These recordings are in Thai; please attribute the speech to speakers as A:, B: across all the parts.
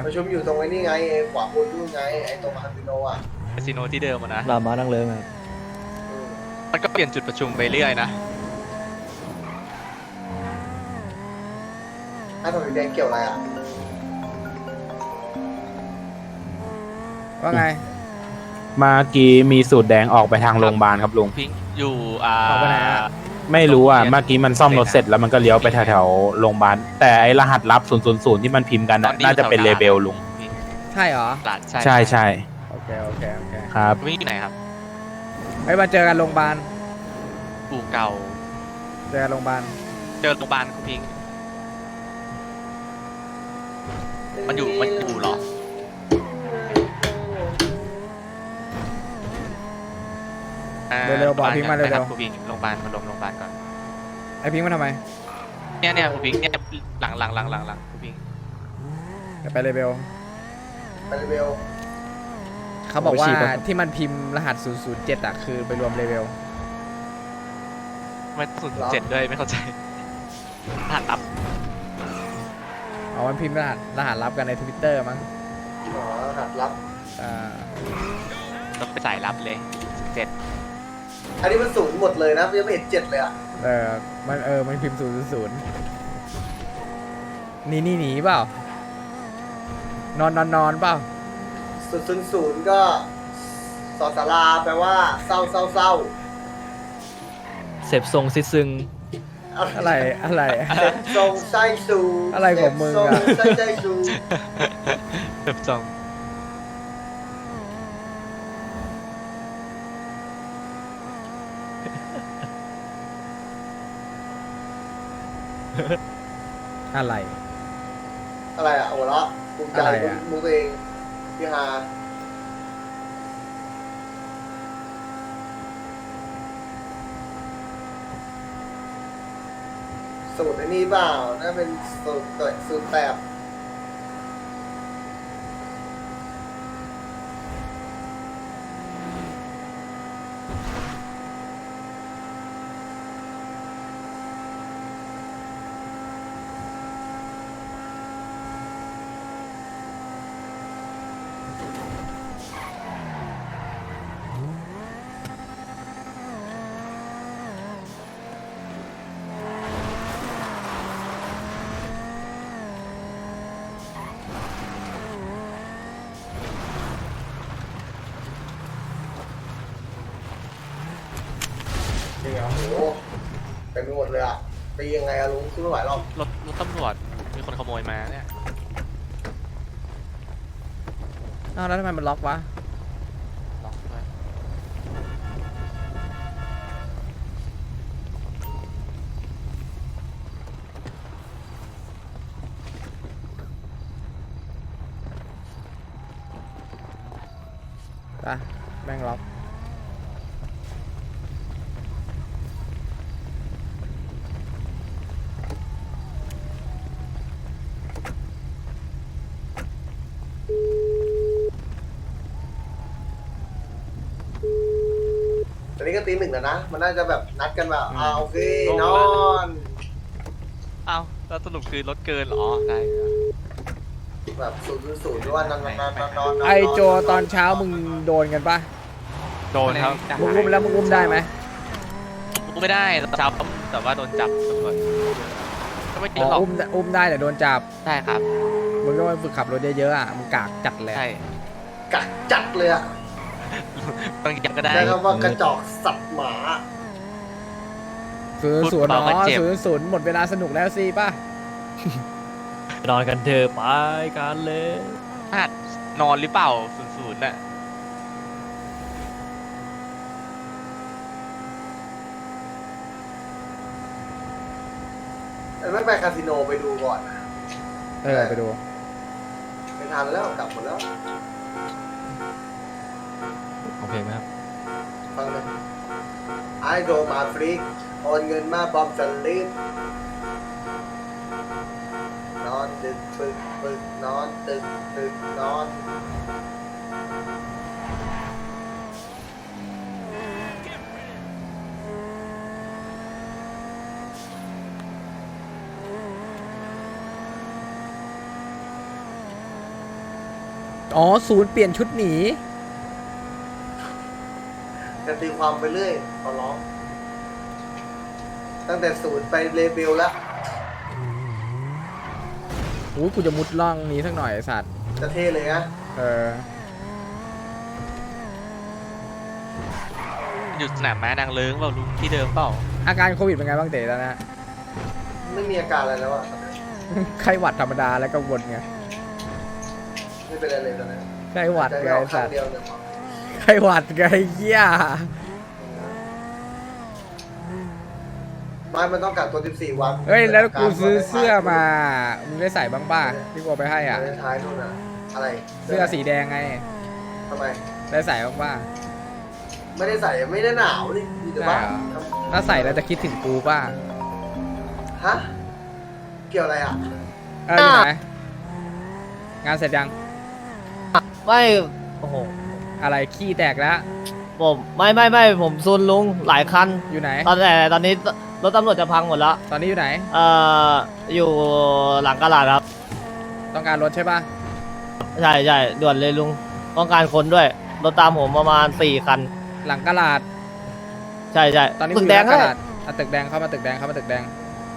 A: ประชุมอยู่ตรงไอ้นี่ไงขวาบนนู่นไงไอ้ตรงคาสิโนอ่ะ
B: คาสิโนที่เดิมอะนะ
C: รามานั่งเลิงครับ
B: มันก็เปลี่ยนจุดประชุมไปเรื่อยนะ
A: ถ้าถนนแดงเกี่ยวอะไรอ่ะ
D: ว่าไง
E: เมื่อกี้มีสูตรแดงออกไปทางโรงพยาบาลครับลุง
B: พิงค์อยู่
D: ออกไปไหนอะ
E: ไม่รู้อ่ะเมื่อกี้มันซ่อมรถเสร็จแล้วมันก็เลี้ยวไปแถวๆโรงพยาบาลแต่ไอรหัสลับ000ที่มันพิมพ์กันน่ะน่าจะเป็นเลเบลลุง
B: พิงค์
D: ใช่เหรอ
B: หลานใช่
E: ใช่ใช่
D: โอเคโอเคโอเค
E: ครับ
B: พิงค์อยู่ไหนครับ
D: ไปมาเจอกันโรงพยาบาล
B: อู่เก่า
D: เจอกันโรงพยาบาล
B: เจอโรงพยาบาลคุณพิงค์มันอยู่เหรอ
D: เร็วๆบอกพิงค์มาเร็ว
B: คุณพิงค์โรงพยาบาลมาลงโรงพยาบาลก่อน
D: ๆไอพิงค์มาทำไม
B: เนี่ยคุณพิงค์เนี่ยหลังคุณพิงค์
D: เดี๋ยวไปเลเบล
A: ไปเรเบล
D: เขาบอกว่าที่มันพิมพ์รหัส007อ่ะคือไปรวมเลเบล
B: ไม่0.7ด้วยไม่เข้าใจหัดอัพ
D: เอามันพิมพ์รหัสลับกันใน Twitter มั้ง
A: อ๋อหัดรับ
D: อ่า
B: ต้องไปใส่รับเลย7
A: อันนี้มันศูนย์หมดเลยนะยังไม่เห็น7เลยอ่ะ
D: มันพิมพ์000หนีเปล่า นอนเปล่า
A: 000ก็สอสาราแปลว่าเศร้า
C: เสพทรงซิซึง
D: อะไร
A: เซ็ตทรงไส้ซู
D: อะไรของมึงอะ
A: เซ็ตทรงไส้ซู
B: แบบจอง
D: อะไร
A: อะไรอ่ะหัวเราะภูมิใจ
D: อะไรอะ
A: มูตัวเองพี่ฮาสูตรไอ้นี่เปล่าน่าเป็นสูตรแบบ นี่โอ้โหเป็นไปหมดเลยอ่ะไปยังไงอะลุงสู้ไม่ไหวหรอก
B: รถตำรวจมีคนขโมยมาเนี่ย
D: อ้าวแล้วทำไมมันล็อกวะ
B: ล็อกด้วย
D: ไปแม่งล็อก
A: ตอนนี้ก็ตี 1แล้วนะมันน่าจะแบบนัดกันแบบโอเคนอน
B: อ้าวแล้วสรุปคือรถเกินเหรอได้ครับ
A: แบบ000ด้วยว่านอน
D: ไอโจตอนเช้ามึงโดนกันปะ
B: โดนครับ
D: มึงอุ้มแล้วมึงอุ้มได้ไหม
B: กูไม่ได้ตอนเช้าแต่ว่าโดนจับตำรวจก็ไม่
D: อ๋
B: ติดหร
D: อ
B: อก
D: อุ้มได้แต่โดนจับ
B: ใช่ครับ
D: มึงก็ไปฝึกขับรถเยอะๆอ่ะมึงกากจัดเลย
B: ใช่
A: กักจัดเลยอ่ะ
B: บางอย่างก็ได้
A: ใช้คำว่ากระจอกสัตว์หมา
D: 000
B: เบา
D: เนาะ
B: ก็เจ็บ
D: 000หมดเวลาสนุกแล้วสิป่ะ
C: นอนกันเถอะไปกันเลย
B: หัดนอนหรือเปล่า00น่ะ
A: ไม่ไปคาสิโนไปดูก่อนนะ
D: ไปดู
A: ไปทานแล้วกลับหมดแล้ว
C: โอเคไหมครับ
A: ฟังเลยไอโดมาฟรีกโอนเงินมาบอมสลิปนอนดึกปึกนอนตึกนอน
D: อ๋อศูนย์เปลี่ยนชุดหนี
A: จะตีความไปเรื่อยขอร้องตั้งแต่ศูนย์ไปเลเบลแล้ว
D: โอ้ยกูจะมุดล่องนี้สักหน่อยไอ้สัตว์
A: จะเท่เลยนะ
D: เออ
B: อยู่สนามม้านางเลิ้งเปล่าลุงที่เดิมเปล่า
D: อาการโควิดเป็นไงบ้างเต๋ตอนนี้
A: ไม่มีอาการอะไรแล้วอะ
D: ไข้หวัดธรรมดาแล้วก็วนไง
A: ไม่เป็นอะไรเลยตอนนี้
D: ไข้หวัด
A: ใจ
D: ไง
A: ไม่ออ
D: ไอ้
A: ก
D: สั
A: ข้าง
D: ตว์
A: เดียวเลย
D: ไข้หวัดไงเหี้ย
A: ไม่มันต้องกักตัว14 วัน
D: เฮ้ยแล้วกูซื้อเสื้อมามึงได้ใส่บ้างป่ะที่กูเอาไปให้อ่ะ
A: ท้ายนู่นอะอะไร
D: เสื้อสีแดงไง
A: ทำไม
D: ได้ใส่บ้างป่ะ
A: ไม่ได้ใส่ไม่ได้หนาวนี่มีแต่ว่า
D: ได้เหรอ ถ้าใส่แล้วจะคิดถึงกูป่ะ
A: ฮะเกี่ยวอะไรอ่ะ
D: อยู่ไหนงานเสร็จยัง
F: ไม่โอ้โห
D: อะไรขี้แตกแล้ว
F: ผมไม่ผมซุนลุงหลายคัน
D: อยู่ไหน
F: ตอนนี้รถตำรวจจะพังหมดแล้ว
D: ตอนนี้อยู่ไหน
F: อยู่หลังกะลาดครับ
D: ต้องการรถใช่ป่ะ
F: ใช่ด่วนเลยลุงต้องการคนด้วยรถตามผมประมาณ4 คัน
D: หลังกระลาด
F: ใช่
D: ตอนนี้
F: ตึ
D: กู
F: ก
D: อ
F: แด
D: ยู่
F: ง
D: หน้ากระ
F: ให้
D: ลาดอ่ะตึกแดงเข้ามาตึกแดงเข้ามาตึกแดง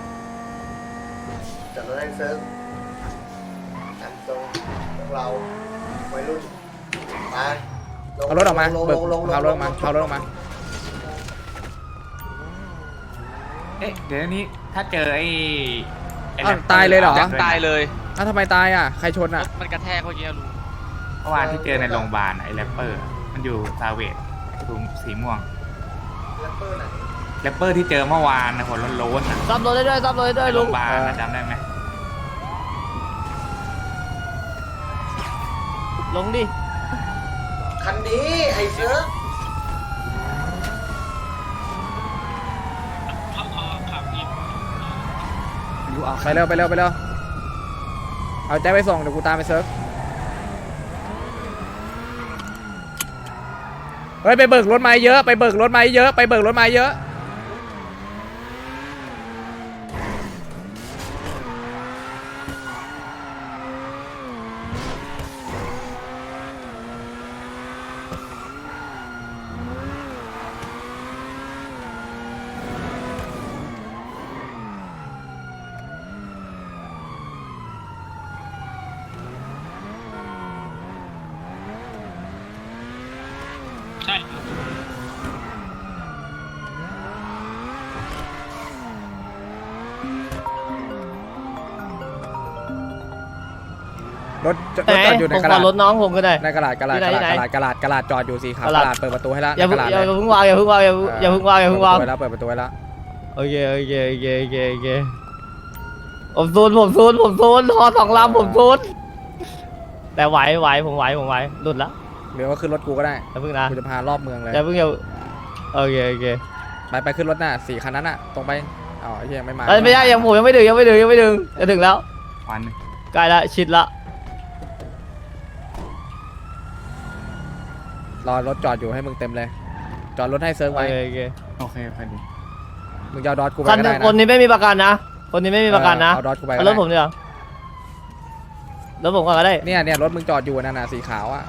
A: จัดรถให้เซิร์ฟจัดตรงพวกเราวัยรุ่นไปลง
D: เอารถออกมา
A: ลง
D: เบิก
A: ลง
D: เอารถออกมาเอารถออกมา
G: เอ๊ะเดี๋ยวนี้ถ้าเจอไอ้
D: อ้าวตายเลยเหรอ
B: ยังตายเลย
D: อ้าวทำไมตายอ่ะใครชน
B: ร
D: อ่ะ
B: ถมันกระแทกเมื่อกี้ลุง
G: เมื่อวานที่เจอในโรงพยาบาลไอ้แรปเปอร์ มันอยู่ซาเวดถุงสีม่วง
A: แรปเปอร์ไหน
G: แรปเปอร์ที่เจอเมื่อวานนะหัวโล้นๆนะ
F: ซับรถได้ด้วยซับรถได้ด้วย
G: โร
F: ลุ
G: ง
F: ง
G: พยาบาลนะจำได้ไหม
F: ลงดิ
A: คันนี้ไอ้เซิร์ฟ
D: ไปเร็วไปเร็วไปเร็วเอาแจ็คไปส่งเดี๋ยวกูตามไปเซิร์ฟเฮ้ยไปเบิกรถไม้เยอะไปเบิกรถไม้เยอะไปเบิกรถไม้เยอะรถจอดอยู่ใน
F: ผม
D: กระ
F: ขอ
D: ดาษ
F: รถน้องผมก็ได้
D: ในกระดาษกระดาษ
F: ที่
D: ก
F: ไหน
D: ระดาษกระดาษกระดาษจอดอยู่สีขาว
F: ก
D: ก
F: ระ
D: ระ
F: ดาษ
D: ดาษเปิดประตูให้แล้ว
F: อย่า
D: ใน
F: เพิ่
D: ก
F: ง
D: ระดาษ
F: อย่า
D: เลย
F: เพิ่งวางอย่าเพิ่งวางอย่าเพิ่งวางอย่าเพิ่งวาง
D: เปิดแล้วเปิดประตูไว้แล้ว
F: โอเคผมซูนฮอ2 ลำผมซูนแต่ไหวผมไหวหลุดแล้ว
D: หรือว่าขึ้นรถกูก็ได้
F: อย่าเพิ่งนะ
D: กูจะพารอบเมืองเลย
F: อย่าเพิ่งโอเค
D: ไปขึ้นรถน่ะ4 คันนั้นน่ะตรงไปอ๋อไอ้เหี้ยยังไม่มา
F: ไม่ได้ผมยังไม่ถึงจะถึงแล้ว
G: วัน
F: ใกล้ละชิดละ
D: รอรถจอดอยู่ให้มึงเต็มเลย จอดรถให้เซิร์ฟไว้
F: โอเค
G: โอเคพอดี
D: มึงจะเอาดอทกูไป
F: คัน
D: ก็ได้นะ
F: คนนี้ไม่มีประกันนะคนนี้ไม่มีประกันนะ
D: เอาดอทกูไปก็
F: เอาร
D: ได้
F: ถผมเดี๋ยวรถผมก่อนก็ได้
D: เนี่ยรถมึงจอดอยู่นั่นน่ะสีขาวอ่ะ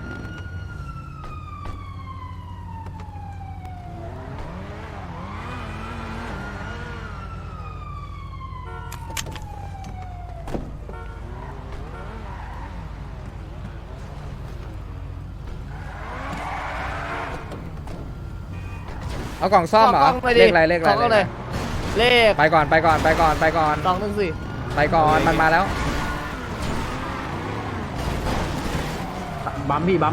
D: เอากล่องซ่อมเหรอ
F: ขกล้งไปดิ
D: เลขอะไรเลขอะไร
F: ขกล้องเลยเลข
D: ไปก่อน
F: 214
D: ไปก่อนมันมาแล้ว
E: บัมพี่บัม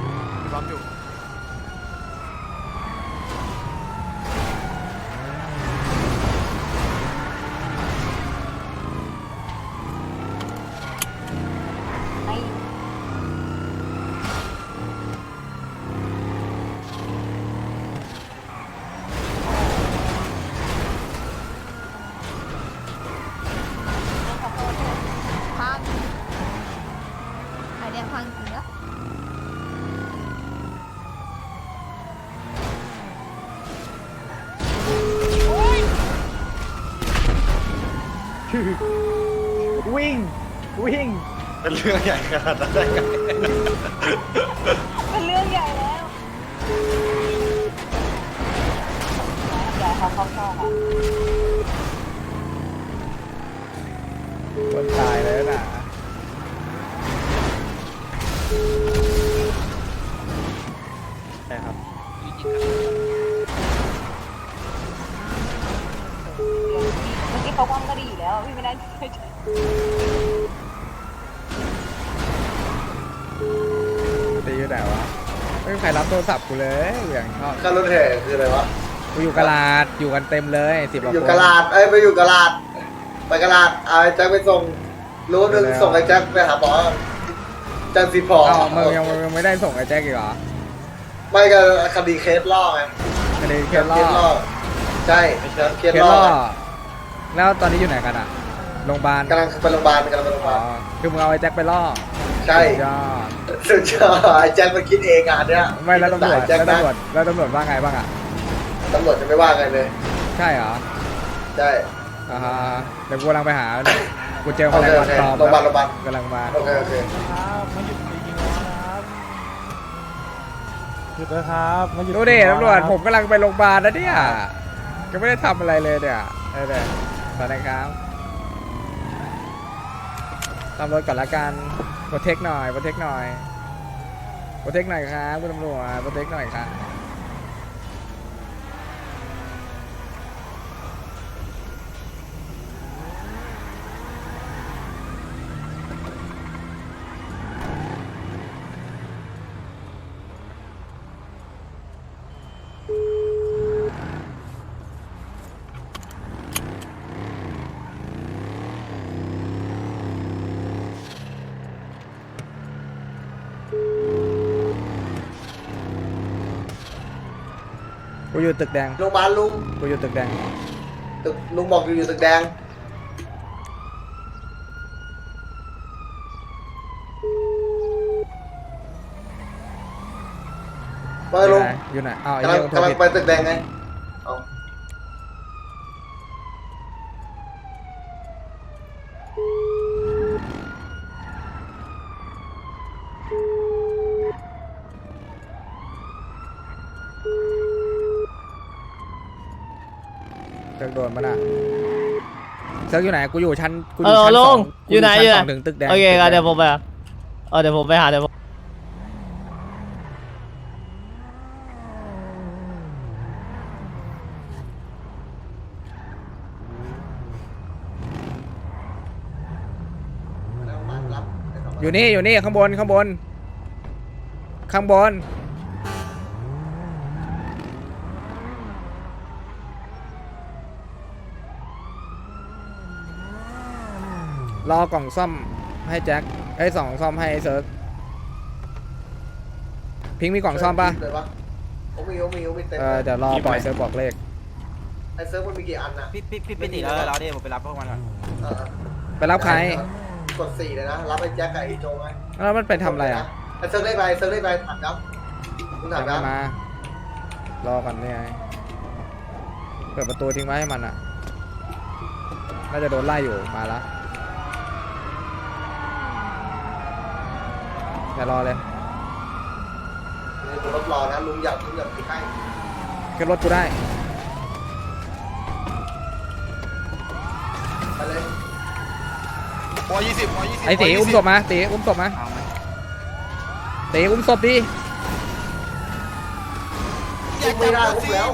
H: พังไอเดียพังจริงแล้ว
C: วิ่ง
A: เป็นเรื่องใหญ่ขนาดนั้นได้ไง
H: เป็นเรื่องใหญ่แล้วใหญ่เขาเข้าค่ะ
D: คนตายเลยนะ
C: ใช่ครับ
H: เมื่อกี้เขาว่างก็ดีอยู่แล้วพี่ไม่ได้ช่วย
D: ตีอยู่ไหนวะไม่มีใครรับโทรศัพท์กูเลยอย่างชอบ
A: การรถแห่คืออะไรวะ
D: กูอยู่กะลาดอยู่กันเต็มเลย10กว่า
A: อยู่
D: คน
A: กะลาดไปอยู่กะลาดไปกะลาดเอาไอ้แจ็คไปส่งรู้นึงส่งไอ้แจ็คไปหาหมอจันทร์สีพอ
D: อ้าวมึงยังไม่ได้ส่งไอ้แจ็คอีกเหรอ
A: ไม่ก็คดีเคสล่อไง
D: คดีเคสล่อ
A: ใช่เค
D: เค
A: ส
D: ส
A: ล่
D: ล่
A: อ
D: อแล้วตอนนี้อยู่ไหนกันอ่ะโรงพยาบาล
A: กำลังไปโรงพยาบาลกำลังไปโรงพยา
D: อ๋
A: บา
D: อ
A: ล
D: คือมึงเอาไอ้แจ็คไปล่อ
A: ใช่
D: สุดยอด
A: สุดยอดไอ้แจ็คมันคิดเองอ่ะเนี่ย
D: ไม่แล้วตำรวจ
A: แจ็ค
D: แล้ว
A: นะ
D: ตำรวจแล้วตำรวจว่าไงบ้างอ่ะ
A: ตำรวจจะไม่ว่าไงเลย
D: ใช่เหรอ
A: ใช่
D: อ่าฮะเดี๋ยวกูกำลังไปหากูเจอ
A: โอ
D: แมล
A: เค
D: ง
A: โอ
D: วัน
A: เค
D: ตอม
A: โรงพยาบาลโรงพยาบาล
D: กำลังมา
A: โอเคโอเค
C: หยุดเลยครับมาหยุด
D: ดูดิตำรวจผมกำลังไปโรงพยาบาลนะเนี่ยยังไม่ได้ทำอะไรเลยเนี่ยเนี่ยสวัสดีครับตำรวจก่อนละกันโปรเทคหน่อยโปรเทคหน่อยโปรเทคหน่อยครับคุณตำรวจโปรเทคหน่อยครับกูอยู่ตึกแดง
A: โรงพยาบาลลุง
D: กูอยู่ตึกแดง
A: ตึกลุงบอกอยู่ตึกแดงไปลุง
D: อยู่ไหนอ้าวไอ้
A: กำลัง
D: เรื่องโทร
A: กำลัง
D: ผิด
A: ไปตึกแดงไงเอา
D: เซิร์กโดนปะน่ะเซิร์กอยู่ไหนกูอยู่ชั้นกูอ
F: เอยู่ อ
D: ชั้น
F: ล
D: สอง ง
F: อยู่ไหน
D: ชั้
F: อยู่ไหน
D: สองถึงตึกแดง
F: โอเคครับ
D: ตึกแดง
F: เดี๋ยวผมไปเดี๋ยวผมไปหาเดี๋ยวผม
A: รับ
D: อยู่นี่อยู่นี่ข้างบนข้างบนข้างบนรอกล่องซ่อมให้แจ็คไอ้ยสองซ่อมให้เซิร์กพิงค์มีกล่องซ่อมปะ
A: เลยปะโอ้มีเต็ม
D: เดี๋ยวรอปล่อยเซิร์กบอกเลข
A: ไอ้เซิร์ฟมันมีกี่อันน่ะ
I: พี่ไปตีแล้วเราดิผมไปรับพวกมันก่อน
A: เออ
D: ไปรับใคร
A: กด4เลยนะรับไอ้แจ็คกับไอ้โจไง
D: แล้วมันไปทำอะไรอ่ะ
A: ไอ้เซิร์ฟได้ไปถามครับคุณถามครับ
D: มารอก่อนเนี่ยเปิดประตูทิ้งไว้ให้มันอ่ะน่าจะโดนไล่อยู่มาละอย่ารอเลย
A: รถรอนะลุงอยากไปใกล้
D: ขึ้นรถกูได้
A: ไปเลย
D: ไอ้ตีอุ้มศพมาตีอุ้มศพมา
G: เอาไหม
D: ตีอุ้มศพดิ
A: ไม่ได้อุ้มแล้ว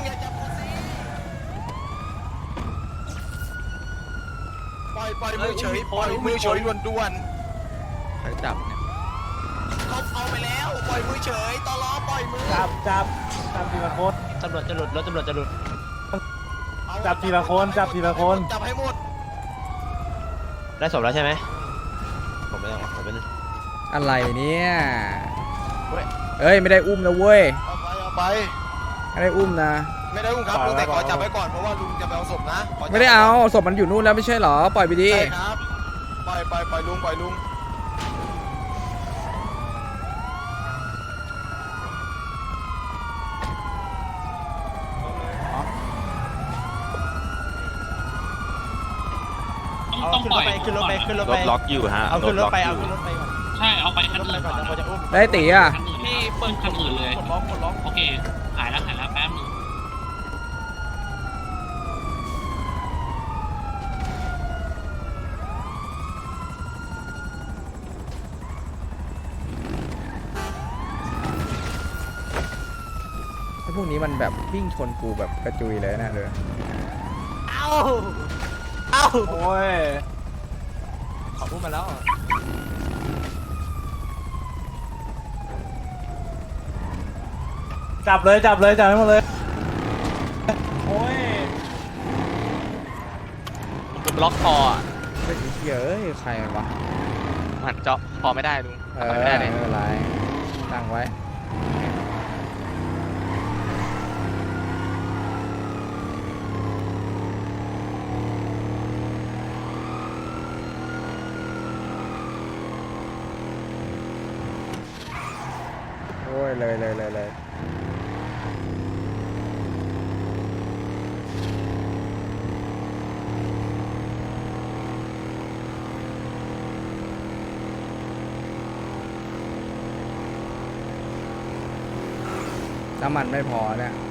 I: ปล่อยมือเฉยปล่อยมือเฉยด่วน
B: ใครจับเนี่ย
I: ๆเขาเอาไปแล้วปล่อยมือเฉยตลอปล่อยมือ
C: จับทีละคน
F: ตำรวจจะหลุดรถตำรวจจะหลุด
C: จับทีละคน
I: จับให้หมด
F: ได้ศพแล้วใช่ไหมผมไม่ต้องผมเป็น
D: อะไรเนี่ยเอ้ยไม่ได้อุ้มนะเว้ย
I: เอาไป
D: ไม่ได้อุ้มนะ
I: ไม่ได้ลุงครับลุงแต่ขอจับไว้ก่อนเพราะว่าลุงจะไปเอาศพนะขจับ
D: ไม่ได้เอาศพมันอยู่นู่นแล้วไม่ใช่เหรอปล่อยไปดิ
I: ใช่ครับปล่อยลุงต้องปล่อยขึ้นรถไปขึ้นรถ
E: ร
I: ไป
E: ถล็อกอยู่ฮะ
I: เอาขึ้นรถไป
E: ถ
I: เอา
E: ล็ก
I: ขึ้นรถไปก่อน
J: ใช่เอาไปคัน
I: รถ
J: อื่
I: ไป
J: น
I: ก่อน
J: ก่อน
I: เดี๋ยวเขาจะอุ้ม
D: ได้ตีอ่ะ
J: พี่เปิ้ลคันอื่นเลย
I: กดล็อกกดล็อก
J: โอเคหายแล้วแป๊บนึง
D: ไอ้พวกนี้มันแบบวิ่งชนกูแบบกระจุยเลยนะเลย
I: เอาเอา
C: โอ้ย
I: ขออุ้มมาแล้ว
C: จับเลยจับให้หมดเลยโอ้ย
B: ผมบล็อกคออ่ะ
D: เฮ้ยเอ้ยใครวะ
B: หันเจาะคอไม่ได้ลุง
D: เอ
B: ทำ
D: อ
B: อะไรไม่ได้เลย
D: ไม่เป็นไรตั้งไว้โอ้ยเลยน้ำมันไม่พอเนี่ย